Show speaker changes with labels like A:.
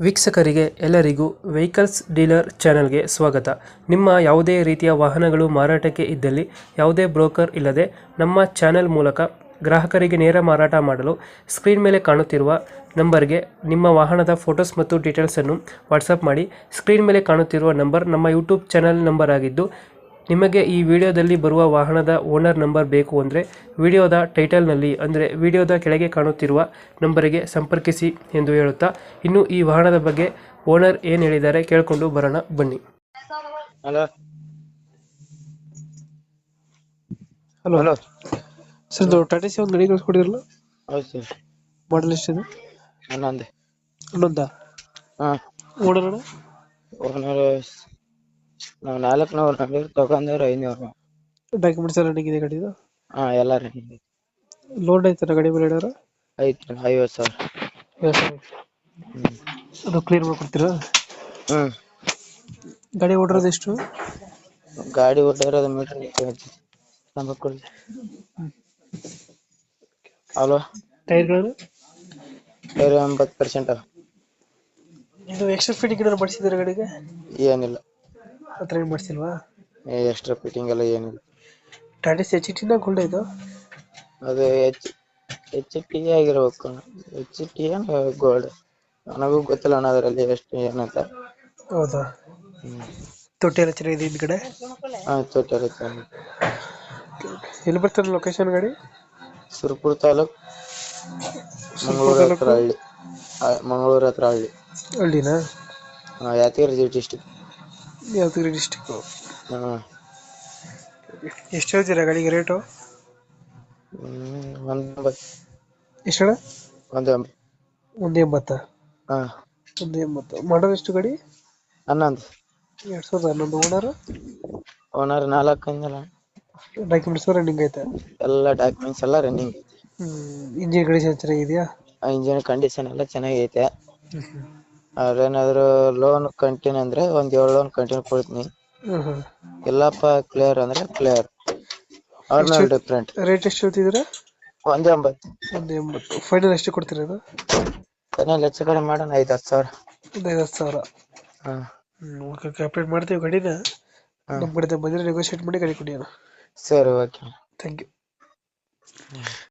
A: ವೀಕ್ಷಕರಿಗೆ ಎಲ್ಲರಿಗೂ vehicles dealer ಚಾನೆಲ್ಗೆ ಸ್ವಾಗತ. ನಿಮ್ಮ ಯಾವುದೇ ರೀತಿಯ ವಾಹನಗಳು ಮಾರಾಟಕ್ಕೆ ಇದ್ದಲ್ಲಿ ಯಾವುದೇ ಬ್ರೋಕರ್ ಇಲ್ಲದೆ ನಮ್ಮ ಚಾನೆಲ್ ಮೂಲಕ ಗ್ರಾಹಕರಿಗೆ ನೇರ ಮಾರಾಟ ಮಾಡಲು ಸ್ಕ್ರೀನ್ ಮೇಲೆ ಕಾಣುತ್ತಿರುವ ನಂಬರ್ಗೆ ನಿಮ್ಮ ವಾಹನದ ಫೋಟೋಸ್ ಮತ್ತು ಡೀಟೇಲ್ಸನ್ನು ವಾಟ್ಸಪ್ ಮಾಡಿ. ಸ್ಕ್ರೀನ್ ಮೇಲೆ ಕಾಣುತ್ತಿರುವ ನಂಬರ್ ನಮ್ಮ ಯೂಟ್ಯೂಬ್ ಚಾನೆಲ್ ನಂಬರ್ ಆಗಿದ್ದು, ನಿಮಗೆ ಈ ವಿಡಿಯೋದಲ್ಲಿ ಬರುವ ವಾಹನದ ಓನರ್ ನಂಬರ್ ಬೇಕು ಅಂದರೆ ವಿಡಿಯೋದ ಟೈಟಲ್ನಲ್ಲಿ ಅಂದರೆ ವಿಡಿಯೋದ ಕೆಳಗೆ ಕಾಣುತ್ತಿರುವ ನಂಬರಿಗೆ ಸಂಪರ್ಕಿಸಿ ಎಂದು ಹೇಳುತ್ತಾ, ಇನ್ನು ಈ ವಾಹನದ ಬಗ್ಗೆ ಓನರ್ ಏನು ಹೇಳಿದ್ದಾರೆ ಕೇಳಿಕೊಂಡು ಬರೋಣ ಬನ್ನಿ.
B: ಹಲೋ
A: ಹಲೋ
B: ಹಲೋ
A: ಸರ್, ಇದು ಟಾಟಾ ಸಿ ಒಂದು ಗಾಡಿ ಕಳಿಸ್ಕೊಡಿದ್ರಲ್ಲ,
B: ಹೌದು ಸರ್.
A: ಮಾಡಲ್ ಎಷ್ಟಿದೆ?
B: ಹನ್ನೊಂದು.
A: ಹನ್ನೊಂದಾ?
B: ಹಾಂ,
A: ಓನರ್
B: ಓನರ್ ನಾವು 400 ನಂಬರ್ ತಗೊಂಡವ್ರು 500.
A: ಡಾಕ್ಯುಮೆಂಟ್ಸ್ ಎಲ್ಲ ರನ್ನಿಂಗ್ ಇದೆ ಗಾಡಿದು?
B: ಹಾಂ, ಎಲ್ಲ ರನ್ನಿಂಗ್ ಐತಿ.
A: ಲೋನ್ ಐತನ ಗಾಡಿ ಮೇಲೆ ಏನಾರ?
B: ಐತಿ 50,000. ಹ್ಞೂ
A: ಅದು ಕ್ಲಿಯರ್ ಮಾಡ್ಕೊಡ್ತೀರಾ?
B: ಹ್ಞೂ
A: ಗಾಡಿ ಓಡಿರೋದು ಎಷ್ಟು?
B: ಗಾಡಿ ಓಡಿರೋದು ಮೀಟ್ರ್ ಕೊಡಿ. ಹಲೋ,
A: ಟೈರ್ಗಳು
B: ಟೈರ್ 80%.
A: ಇದು ಎಕ್ಸ್ಟ್ರಾ ಫಿಟ್ಟಿಂಗ್ ಏನಾದ್ರು ಮಾಡಿಸಿದ್ರೆ ಗಾಡಿಗೆ?
B: ಏನಿಲ್ಲ,
A: ಆ ಥರ ಏನು ಮಾಡಿಸಿಲ್ವಾ?
B: ಎಕ್ಸ್ಟ್ರಾ ಫಿಟ್ಟಿಂಗ್ ಎಲ್ಲ ಏನಿಲ್ಲ.
A: ಟಾಟಾ ಸಿ ಎಚ್ ಟಿನ ಗೋಲ್ಡ್ ಇದು?
B: ಅದು ಎಚ್ ಪಿ ಆಗಿರ್ಬೇಕು. ಎಚ್ ಪಿ ಏನು ಗೋಲ್ಡ್ ನನಗೂ ಗೊತ್ತಿಲ್ಲ ಅಣ್ಣ ಅದರಲ್ಲಿ ಎಷ್ಟು ಏನಂತ.
A: ಹೌದಾ?
B: ಹ್ಞೂ
A: ತೊಟ್ಟಿ ಎಲ್ಲ ಚೆನ್ನಾಗಿದೆ ಹಿಂದ್ಗಡೆ?
B: ಹಾಂ, ತೊಟ್ಟೆ.
A: ಎಲ್ಲಿ ಬರ್ತಾರೆ ಲೊಕೇಶನ್ ಗಾಡಿ?
B: ಸುರಪುರ ತಾಲೂಕು, ಮಂಗಳೂರು ಹತ್ರ ಹಳ್ಳಿ. ಮಂಗಳೂರು ಹತ್ರ ಹಳ್ಳಿ.
A: ಹಳ್ಳಿನಾ?
B: ಯಾದಗಿರಿ ಡಿಸ್ಟಿಕ್.
A: ಯಾದಗಿರಿ ಡಿಸ್ಟಿಕ್ಕು.
B: ಹಾಂ.
A: ಎಷ್ಟು ಹೇಳ್ತೀರಾ ಗಾಡಿಗೆ ರೇಟು?
B: 180.
A: ಎಷ್ಟು ಅಣ್ಣ?
B: 180.
A: 180?
B: ಹಾಂ.
A: 180. ಮಾಡೋದು ಎಷ್ಟು ಗಾಡಿ?
B: 11.
A: 2011.
B: ಓನರ್ 4 ಅಂದಲ್ಲ.
A: ಡಾಕ್ಯುಮೆಂಟ್ಸ್ ರನ್ನಿಂಗ್ ಐತೆ?
B: ಎಲ್ಲ ಡಾಕ್ಯುಮೆಂಟ್ಸ್ ಎಲ್ಲ ರನ್ನಿಂಗ್ ಐತಿ.
A: ಇಂಜಿನ್ ಕಂಡೀಷನ್ ಚೆನ್ನಾಗಿದೆಯಾ?
B: ಇಂಜಿನ್ ಕಂಡೀಷನ್ ಎಲ್ಲ ಚೆನ್ನಾಗೈತೆ. ಅವ್ರೇನಾದ್ರು ಲೋನ್ ಕಂಟಿನ್ಯೂ ಅಂದ್ರೆ ಒಂದು 7 ಲೋನ್ ಕಂಟಿನ್ಯೂ ಕೊಡ್ತೀನಿ. ಇಲ್ಲಪ್ಪ ಕ್ಲಿಯರ್ ಅಂದ್ರೆ ಕ್ಲಿಯರ್. ಅವ್ರ ಮೇಲೆ ಡಿಫ್ರೆಂಟ್.
A: ರೇಟ್ ಎಷ್ಟು ಹೇಳ್ತಿದ್ದೀರಾ?
B: 180.
A: 180. ಫೈನಲ್ ಎಷ್ಟು ಕೊಡ್ತೀರಾ ಅದು?
B: ಫೈನಲ್ ಹೆಚ್ಚು ಕಡಿಮೆ ಮಾಡೋಣ 5-10 ಸಾವಿರ.
A: ಒಂದು 50,000.
B: ಹಾಂ.
A: ಓಕೆ, ಅಪ್ಡೇಟ್ ಮಾಡ್ತೀವಿ ಗಾಡಿನ. ನಮ್ಮ ಕಡೆ ಬಂದರೆ ನೆಗೋಷಿಯೇಟ್ ಮಾಡಿ ಗಾಡಿ ಕೊಡಿ ಅಣ್ಣ.
B: ಸರಿ, ಓಕೆ.
A: Thank you.